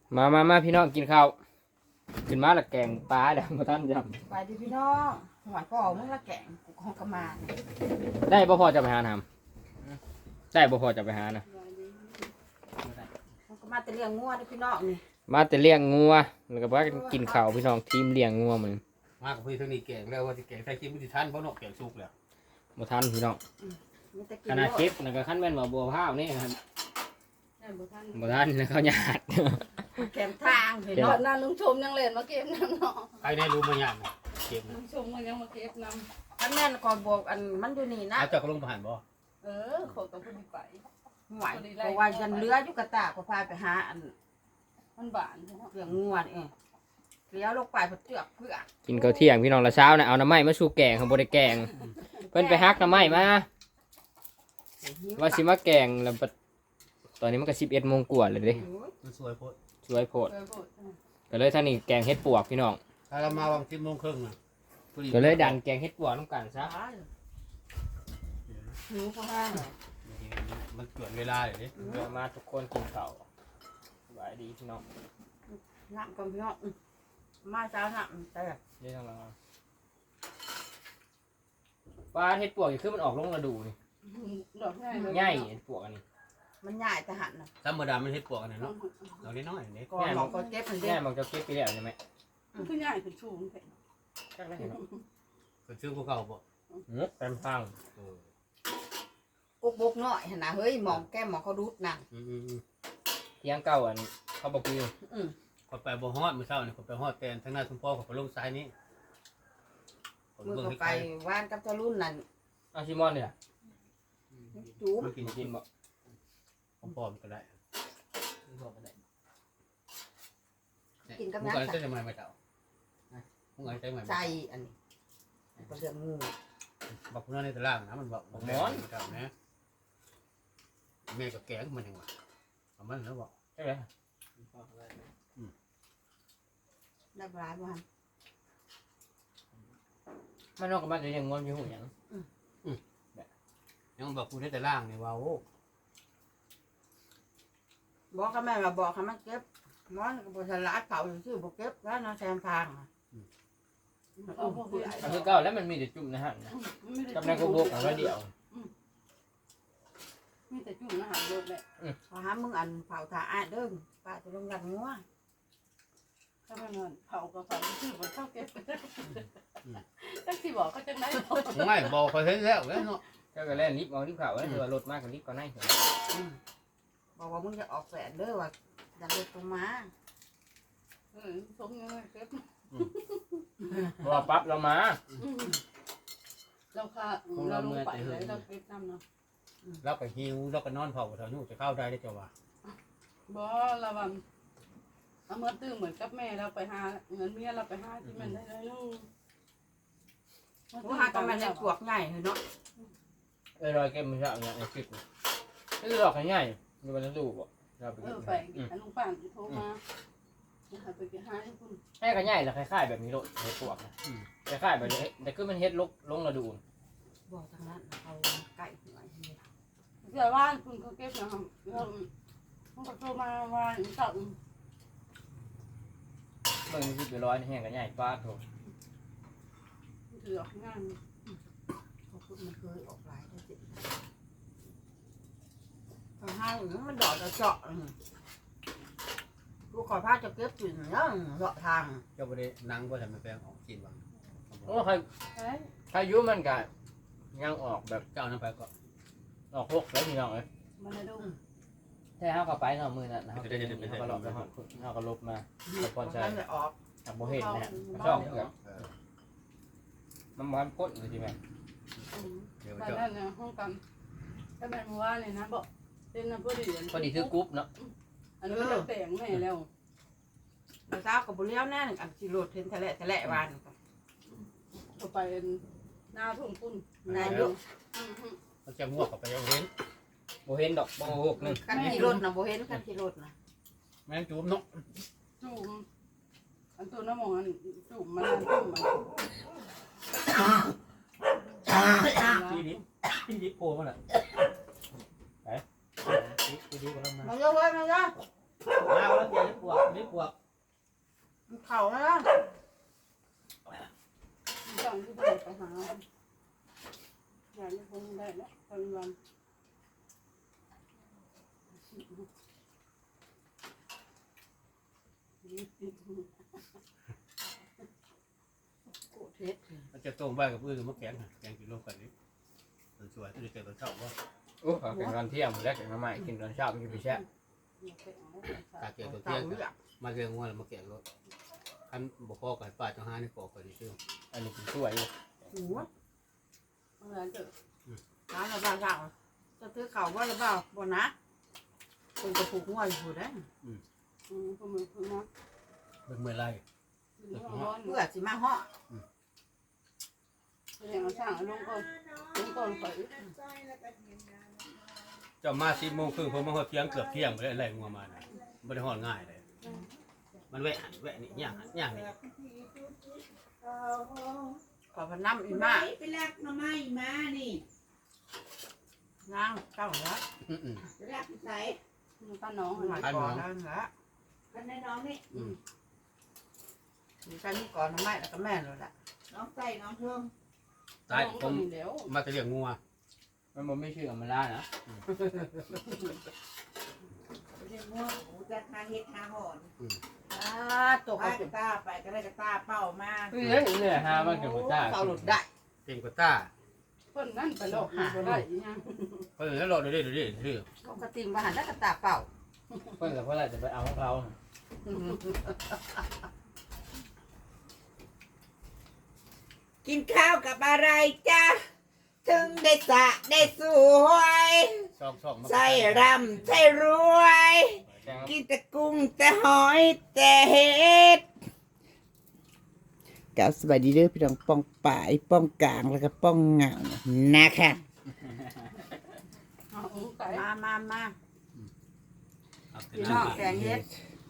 มาพี่น้องกินข้าวขึ้นมาละแกงปลาเดี๋ยวมาท่านจไปดิพี่น้องหวานก็ออกมึงละแกงกูของกระมาเนี่ยำได้บ่พอจะไปหาทำได้บ่พอจะไปหานะของกระมาแต่เลี้ยงงัวเด้อพี่น้องนี่มาแต่เลี้ยงงัวแล้วก็ว่ากินข้าวพี่น้องทีมเลี้ยงงัวมันมากกับพี่ทั้งนี้แกงแล้วว่าจะแกงใส่ชิ้นที่ท่านเพราะนกแกงสุกแล้วบ่ทันพี่น้องมีแต่กิขนาดเก็บแล้วก็ขั้นแม่นว่าบัวพร้าวนี่ครับบ่ทันบ่ทันแล้วเขาหยาดแกมทางพี่นน้อองนนั่นลุงชมยังเล่นมาเก็บน้ำเนาะใครได้รู้มาอย่างเก็บลุงชมมันยังมาเก็บน้อันแม่นก่อนบอกอันมันอยู่นี่นะอาจจะลงผ่านบ่ำขอต้องพูดไปหวานเพราะว่ายันเรืออยู่กระตากก็พาไปหาอันมันบานใช่ไหมเลี้ยงงัวนี่เองเลี้ยวลงไปเพื่อเจือกเพื่อกินข้าวเที่ยงพี่น้องละเช้านะเอาน้ำไม้มาสู่แกงเขาบ่ได้แกงเพิ่นไปฮักน้ำไม้มาว่าสิมาแกงแล้วบัดตอนนี้มันก็11 โมงกว่าเลยเด้มันสวยโพดสวยโพดเคยพูดก็เลยท่างนี้แกงเฮ็ดปวกพี่น้องถ้าเรามาวาง10 โมงครึ่งนะก็เลยดันแกงเฮ็ดปวกน้ำกันซะหิวพอแห้งมันเกินเวลาเลยดิเดี๋ยวมาทุกคนกินข้าวสบายดีพี่น้องน้ำก่อนพี่น้องมาเช้าน้ำแต่เดี๋ยวทางเราปลาเฮ็ดปวกนี่คือมันออกลงฤดูนี่ดอกง่ายเลยง่ายเฮ็ดปวกอันนี้มันใหญ่แต่หันนะธรรมดามันเฮ็ดปวกอันนั้นเนาะเราได้น้อยนี่ก่อนหมอก็เจ็บมันเด็ง่ายมันจะเก็บไปแล้วใช่ไหมมันคือง่ายคือชูงแค่จักได้เห็นเนาะก็ชื่อพวกเขาบ่เต็มฟังกุกบกน้อยเห็นนะเฮ้ยหมองแก้มหมองเขาดูดนั่งเที่ยงเก่าอันเขาบอกคือขอไปบ่ฮอดมื้อเช้านี่ขอไปฮอดแตนทางหน้าทุ่งพ่อขอไปลงซ้ายนี้มือก็ไปว่านกับเจ้ารุ่นนั่นเอาชิมอนเนี่ยจูบมันกินกินบ่พร้อมๆก็ได้กินกับมึงน้ำก็ใส่ใช้จะมาไม่เจ้ามึงก็ใช้มาใจอันนี้ก็เรื่องงูบอกคุณน้าในตารางนะมันบอกบอกแม่เจ้านะแม่กับแกงมันยังวะเอามันแล้วบอกใช่ไหมได้ปลาบ้านมันนอกกับมันจะยังงอนอยู่หูหยังยังบอกคุณในตารางเนี่ยว่าโอ้บอกกับแม่มาบอกให้มันเก็บมอนกับบริษัทลาดเผาอยู่ชื่อบอกเก็บแล้วน้องแซมพางเอาพวกผู้ใหญ่อันคือเก่าแล้วมันมีแต่จุ่มนะฮะกับนายกบกอันละเดียวมีแต่จุ่มอาหารรสแหละพอหามึงอันเผาถ่าอ้ายเด้อป้าจะลงยันงัวถ้ามันเผากับเผาชื่อมันเข้าเก็บตั้งที่บอกก็จะได้ไม่บอกเขาเห็นแล้วแล้วเนาะเจ้าก็เล่นลิฟต์เอาลิฟต์เขาแล้วตัวรถมากกับลิฟต์ก็ได้บอกว่ามึงจะออกแสนเด้อว่าอย่าเด็ดตรงมาสมยังไงเก็บเพราะว่าปั๊บเรามาเราค่ะเราลงไปเลยเราเก็บน้ำเนาะเราก็หิวเราก็นอนเผาแถวนู้นจะเข้าได้ได้จ้ะวะบ่ระวังเอาเมื่อตื่นเหมือนกับแม่เราไปหาเงินเมียเราไปหาที่มันได้เลยลูกผู้หากับมันจะปวกใหญ่เนาะรอยเก็บมันจะอย่างไอ้คลิปนี่คือหลอกง่ายๆมีวันจะดูบ่เราไปกินไปลุงป่านโทรมาไปกินหาให้คุณแค่ก็ง่ายแล้วคล้ายๆแบบนี้โลดเฮ็ดปวกนะคล้ายๆแบบนี้แต่คือมันเฮ็ดลงฤดูบอกทางนั้นเอาไก่หน่อยเดี๋ยวว่าคุณเขาเก็บนะครับเขาก็โทรมาว่าเจ้าเบิ่งสิไปร้อยแห้งก็ง่ายป้าโถถือออกงานเขาพูดมันเคยออกหลายได้สิทางห้างมันดอกจะเจาะกูขอพาจะเก็บถึงเนาะเลาะทางเจ้าบ่ได้นั่งบ่ทำให้แปลงออกกินบ้างโอ้ใครใครยุ่มันก็ยังออกแบบเจ้านั้นไปก็ออกพวกแล้วพี่น้องเอ้ยมันได้ดูใช่เฮาก็ไปเนาะมื้อนั้นเฮาก็ลบแล้วเฮาก็ลบมามันจะออกจากบ่เห็นนะฮะช่องแบบมันมันพ้นเลยใช่ไหมเดี๋ยวไปเจ้านั่นเนี่ยห้องกันก็เป็นมือว่าเลยนะบอกเป็นน้ำพอดีพอดีคือกรุ๊ปเนาะอันนี้มันแต่งแม่แล้วมาเช้ากับบุเลี้ยวแน่นอันสิโรดเห็นทะเลวานก็ไปหน้าทุ่งปุ้นนายกเขาจะง่วงกับไปเอาเห็นบ่เห็นดอกบ่หกนึงคันขี่รถนะบุเห็นคันขี่รถนะแม่งจูบเนาะจุ่มอันตัวน้ำมองอันจุ่มมันจุ่มมันพี่ดิโผล่มาน่ะไปพี่ดิกำลังมามาเยอะเว้ยมาเยอะมาแล้วเดี๋ยวจะปวดนี้ปวกมันเข่าแล้วจังที่ไปหาอย่างนี้คงได้แล้วตอนวันโกรธเทศมันจะต้มใบกับพืชมะแกงแกงกินรวมกันนี้สวยที่จะเจอตอนเช้าว่าโอ้เขาเป็นตอนเที่ยงหมดแล้วแกงน้ำใหม่กินตอนเช้ามันจะไปแช่ตาเกี่ยวตัวเต่าเที่ยงเลือกมาเรียงงัวแล้วมาแกงรถคันบ่พอกับป้าจังหาในกอกก็สิซื้ออันนี้เป็นช่วยอยู่หัวเมื่อไหร่จะร้านระบาดสั่งจะซื้อเข่าว่าหรือเปล่าบ่นะคนจะผูกหัวอยู่ได้พวกมึงพึ่งนะเบิ่งเมื่อไรเพื่อสิมาห่อเรียนเอาช่างลงก่อนไปเจ้ามา10:30นผมมาฮอดเที่ยงเกือบเที่ยงบ่ได้ไล่งัวมาน่ะบ่ได้ฮอดง่ายเลยมันแวะนี่ย่างนี่ขอพน้ำอีมาไปลักหน่อไม้มานี่นางเจ้าแล้วไปลักที่ใส่ป้าน้องหลายก่อนแล้วละกันในน้องนี่มีการนี่ก่อนทำไมแล้วก็แม่เลยแหละน้องใส่น้องเพิ่มตายผมเดี๋ยวมาจะเลี้ยงงัวมันบ่ไม่ชื่ออำมาล่านะไปเรียนมั่วหูจะทาเฮ็ดทาหอนตกไปกระตาไปก็ได้กระตาเป้ามาเฮ้ยเนี่ยฮะมันกับหัวจ้าเต่าหลุดได้เก่งกว่าต้าคนนั่นไปหลอกบ่ได้ยังเพิ่นแล้วรอเดี๋ยวซื้อเขากระติ่งมาหันแล้วกระตาเป่าเพิ่นกับเพื่อนจะไปเอาของเขากินข้าวกับอะไรจ้าถึงได้สะได้สวยซองๆมาใส่รำใส่รวย กินแต่กุ้งแต่หอยแต่เห็ดกับสวัสดีเด้อพี่น้องป้องป่ายป้องกลางแล้วก็ป้องเหงานะคะเอาไก่มาเอาเสร็จพี่แล้น้วองแกงเฮ็ด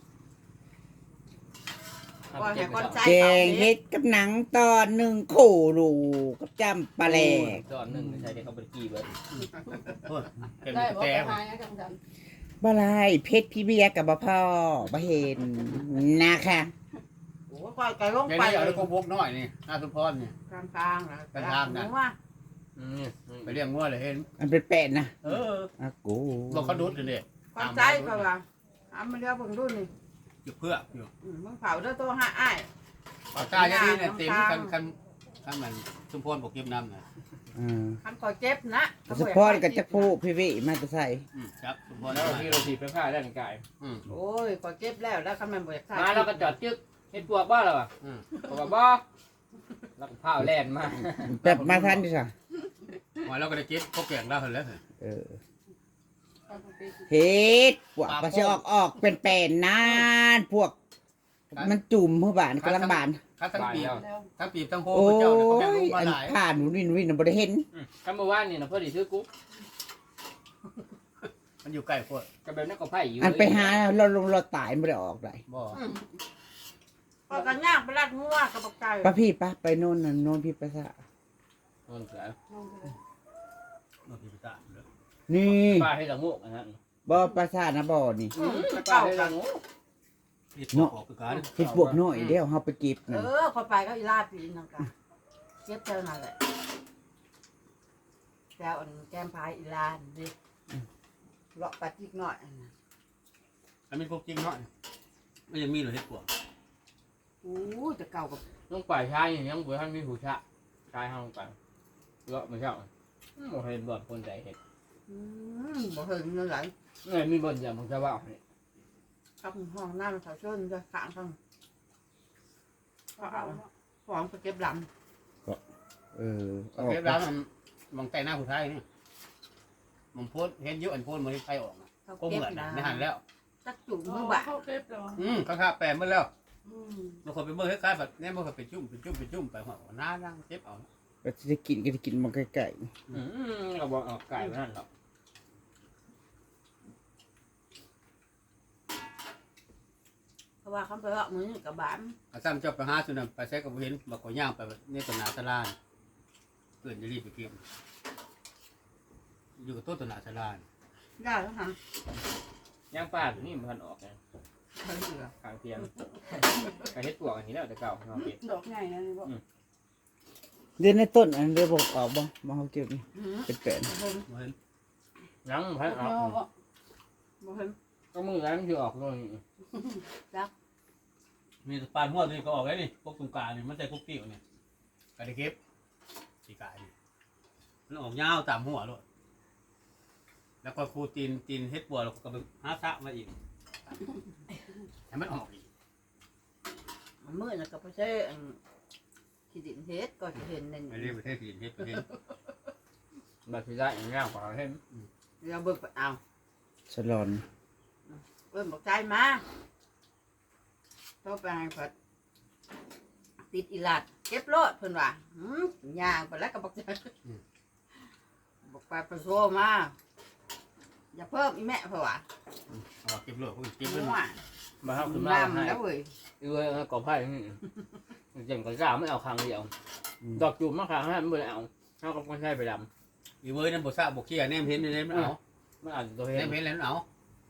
ก่อนให้ก้อนใจแกงเห็ดกับหนังตอนหนึ่งขู่ดูกับจำปลาแหลกจอดหนึ่งใช้ได้เขาไปกี่เบิร์ดโอ้ยเก่งได้กว่าบอกแต่ไปหายังจังบะไรเพชรพี่เบียร์กับบ่พ่อบ่เห็นนะคะโอ้ก่อนไก่ลงเดี๋ยวไปนี้เอาได้กบกน้อยนี่หน้าสุพรนี่กลางๆนะกลางๆนะว่าไปเลี้ยงงัวเลยเห็นมันเป็นเป็ดนะ อากูบอกเขาดุดเลยก้อนใจก็ว่ามาเรียกเบิ่งดูนี่อยู่เพื่ออยู่มึงเผาเด้อตัวห้าอ้ายปากกาอย่างนี้เนี่ยเต็มคันมันสุพรบอกเก็บน้ำนะคันก่อเจ็บนะสปอนกับจักผู้พี่วิมาจะใส่ครับสุพรแล้วที่เราถีบไปผ้าได้หนึ่งกายโอ้ยก่อเจ็บแล้วแล้วคันแม่นบ่อยากใส่มาแล้วก็จอดจึ๊กเห็ดปวกบ้าเหรอปวกบ้าแล้วก็ผ้าแล่นมาแบบมาทันดิจ้ะมาแล้วก็ได้เก็บพวกแกงแล้วเห็นแล้วเฮ็ดพวกก็สิออกเป็นเป็นนานพวก มันจุ่มผู้บ้านกำลังบานคัดทั้งปีแล้วทั้งปีทั้งโฮโอ้เจ้าเนี่ยเขาแบ่งลยงมาอันหลายผ่านวินบ่ได้เห็นคำว่านี่นะเพื่อดีซื้อกุ๊กมันอยู่ใกล้พวกกับแบบนั้นก็ไผ่อยู่อันไปหาเราลงเราตายบ่ได้ออกได้บ่ก็กันย่างไปรัดงัวกับบักไก่ป้าพี่ป้าไปโน่นน่ะโน่นพี่ไปซะนนเสือนอกพิพิธภัณฑ์เลยนี่ป้าให้ละงูอันนั้นบ่ปราสาทนะบ่นี่ป้าให้ละงูที่ตัวออกคือการเฮ็ดพวกน้อยเดี๋ยวเฮาไปเก็บนั่นคนไปก็อีลาปีนั่นกันเจ็บเท่านั้นแหละแล้วอันแก้มพายอีลานดิเลาะปลาจิกหน่อยอันนี้พวกจริงเนาะมันยังมีหรือเห็ดปวกโอ้จะเก่ากับต้องป่าชายอย่างยังบุญท่านมีหูชะชายห้องไปเลาะไม่ใช่โอ้เห็นบ่อนคนใจเห็ดบ่เห็นเงินไหลเงินมีบ่อนอย่างของชาวบ้านนี่กับห้องน้ำเขาเชิญจะขางข้างของไปเก็บหลังเออเก็บร้านมันมองแต่หน้าผู้ชายนี่มันโพสเห็นเยอะอันโพสมันใครออกนะเขาก็เหเก็บมือนนะไม่หันแล้วจักจุ่มมืมืออบ่าบ่าเข้าเก็บแล้วข้างแปลหมดแล้วบางคนไปเบิ่งคล้ายๆแบบนี่บางคนไปจุ่มไปหัวหน้าดังเจ็บเอาก็จะกินก็จะกินมันไก่ก็บอกออกไก่มานั่นหรอกเพราะว่าเขาไปว่ามือกับบานอาซ้ำเจ้าไปหาสุนัขไปใช้กับเห็นบอกก็ย่างไปนี่ตัวหนาตลาดเกินจะรีบไปเก็บอยู่กับตัวหนาตลาดได้แล้วฮะย่างป้าตัวนี้มันออกไงมขางเทียมกระเฮ็ดปวกอันนี้แล้วแต่เก่าเนาะเก็บดอกใหญ่นะนี่บอกเดือนในต้นอันเดือนบอกออกบ่เขาเก็บนี่เป็นแปลนยังพันออกบ่เห็นก็มือแล้วมันคือออกเลยมีปลาหัวนี่ก็ออกได้นี่พวกตรงกลางนี่มันใส่พวกติ๋วเนี่ยกระดิเก็บสีกายนี่มันออกยาวตามหัวเลยแล้วก็คูตีนเฮ็ดบัวแล้วก็ไปหาซะมาอีกให้มันออกอีกมันมืดแล้วก็บ่ใช่ขี้ดินเฮ็ดก็สิเห็นนั่นไม่ได้ประเทศจีนเฮ็ดประเทศแบบที่ได้อย่างเงี้ยกว่าเห็นเราเบิ่งไปเอาสลอนเบิ่งบอกใจมาโทรไปให้เพิ่นติดอีหลัดเก็บรถเพิ่นว่าย่างไปแล้วก็บอกใจบอกไปโทรมาอย่าเพิ่มอีแม่เพิ่นว่าเอาเก็บเลยเก็บเลยว่ามาเข้าขึ้นมาน้ำให้แล้วเว้ยกอไผ่นี่เจ๋งกว่าสาวไม่เอาครั้งเดียวดอกจุ่มมาครั้งให้มันไม่เอาเขาก็ใช้ไปดอีเว้ยนั่นบ่ซะบ่เขี้ยแนมเห็นนี่มันเอาำมันอาจจะตัวแนเห็นมเห็นแล้วมันเอา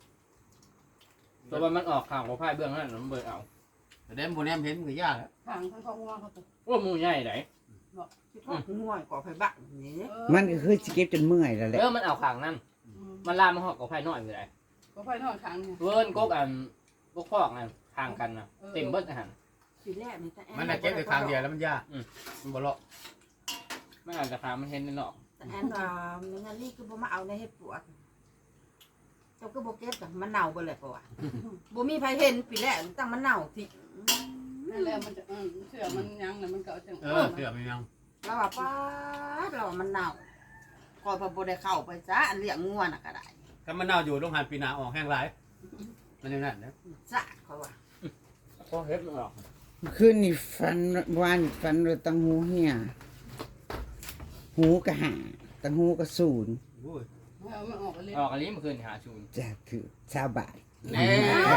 ตัวมันออกข้างกอไผ่เบื้องนั้นมันเบื่อเอาแต่แนมบ่แนมเห็นมันก็ยากแล้วทางข้างหัวเขาตัวว่ามือใหญ่ไหนที่พ่อง่วยก่อไฟบักนี่มันก็คือสิเก็บจนเมื่อยแล้วแหละมันเอาข้างนั่นมันลามมาหอกกอไผ่น้อยไปไหนก็ไฟนอนค้างเนี่ยเวิร์นกกกพอกทางกันนะเต็มเบิดอาหารทีแรกนี่แต่มันน่ะเก็บไปครั้งเดียวแล้วมันยากมันบ่เลาะไม่อาจจะพามันเห็นในนอกแต่แอนว่าในงานนี้คือบ่มาเอาในเฮ็ดปวดเจ้าก็บ่เก็บจ้ะมันเน่าเบิดเลยเพราะว่าบ่มีไผเห็นปีแรกตั้งมันเน่าที่นั่นแหละมันจะเสือมันยังแล้วมันก็เอาจังเสือมันยังเราว่าป้าดเราว่ามันเน่าก่อนพอบ่ได้เข้าไปจ้ะอันเลี้ยงงัวน่ะก็ได้ถ้ามันเน่าอยู่โรงหันปีหน้าออกแห้งหลายมันอย่างนั้นนะจ้ะเขาว่าพอเห็ดมันออกคืนนี่ฟันเลยตังหูเหี่ยหูกะหาตังหูกะศูนย์โอ้ยมันออกไปเลยออกอันนี้มันคืนหาชูนจะคือชาวบ้านแน่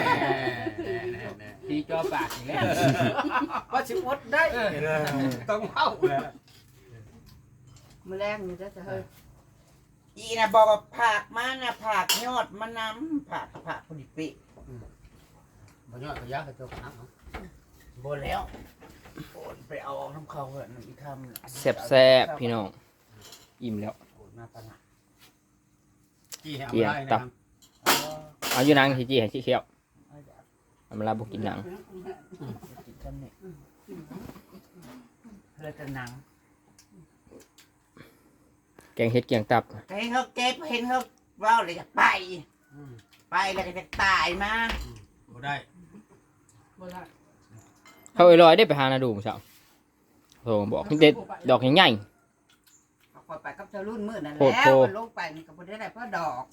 ตีจอปากอย่างนี้ว่าสิอดได้ต้องเข้าแล้วมื้อแรงนี่จ้ะเฮ้ยอีน่ะบอกว่าผักมาน่ะผักยอดมะน้ำผักพอดีเป๊ะบ่ยอดก็ยากก็เจ้าหาเอาบ่แล้วโอนไปเอาออกน้ำเขาเหอะน้ำอีกคำแซ่บๆพี่น้องอิ่มแล้วโอนมาปะนะจี้ให้เอาได้นะครับเอาอยู่นางที่จี้ให้ชี้เขียวเอาเดี๋ยวเอามาลาบุกินหนังกินกันเนี่ยเลยจะหนังแกงเห็ดเกียงตับเห็นเขาเก็บเห็นเขาเว่าเลยจะไป ไปแล้วก็จะตายมาบ่ได้โบราณเขาลอยได้ไปหานาดูมั้งเช้าโอ้บอกเด็ดดอกใหญ่เอาคอยไปกับเจ้ารุ่นมื้อนั่นโคแล้ตรวโคมันลงไปนี่ก็บ่ได้เพราะดอก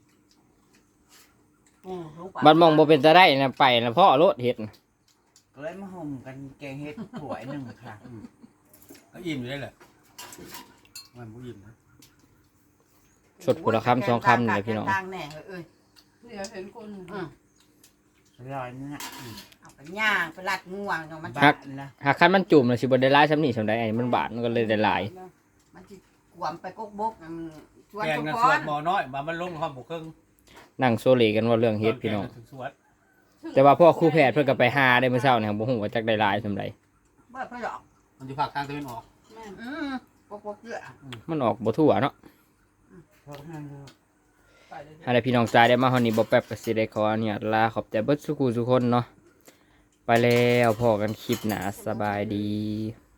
ลงไปๆบัดมองบ่เป็นจะได้นะไปนะพ่อรถเห็ดก็เลยมาห่มกันแกงเห็ดถ้วยหนึ่งค่ะก็อิ่มอยู่ได้แหละมันบ่อิ่มนะสดผุละคำสองคำนี่แหละพี่น้องทางแน่เอ้ยเดี๋ยวเห็นคนร้อยนึงอ่ะเอาไปย่างไปลัดง่วงเนาะมันบ้านละหากคันมันจุ่มเลยสิบ่ได้หลายซ้ำนี่ซ้ำใดไอ้มันบาดมันก็เลยได้หลายมันสิกวมไปกกบกชวนแกงทุกกันคสวดนหมอน้อยมันลงความบ่ครึ่งนั่งโซเลกันว่าเรื่องเฮ็ดพี่น้องสวดแต่ว่าพ่อครูแพทย์เพิ่นก็ไปหาได้เมื่อเช้าเนี่ยบ่ฮู้ว่าจักได้หลายซ้ำใดเบิดเพิ่นหรอกมันอยู่ภาคกลางตะวันออกแม่กกเยอะมันออกบ่ทั่วเนาะเพราะนั่นเลยไปเลยอะไรพี่น้องจ่ายได้มาฮอดนี้บ่แป๊บก็สิได้ขออนุญาตลาขอบใจเบิดสุขุทุกคนเนาะไปแล้วพอกันคลิปหน้าสบายดี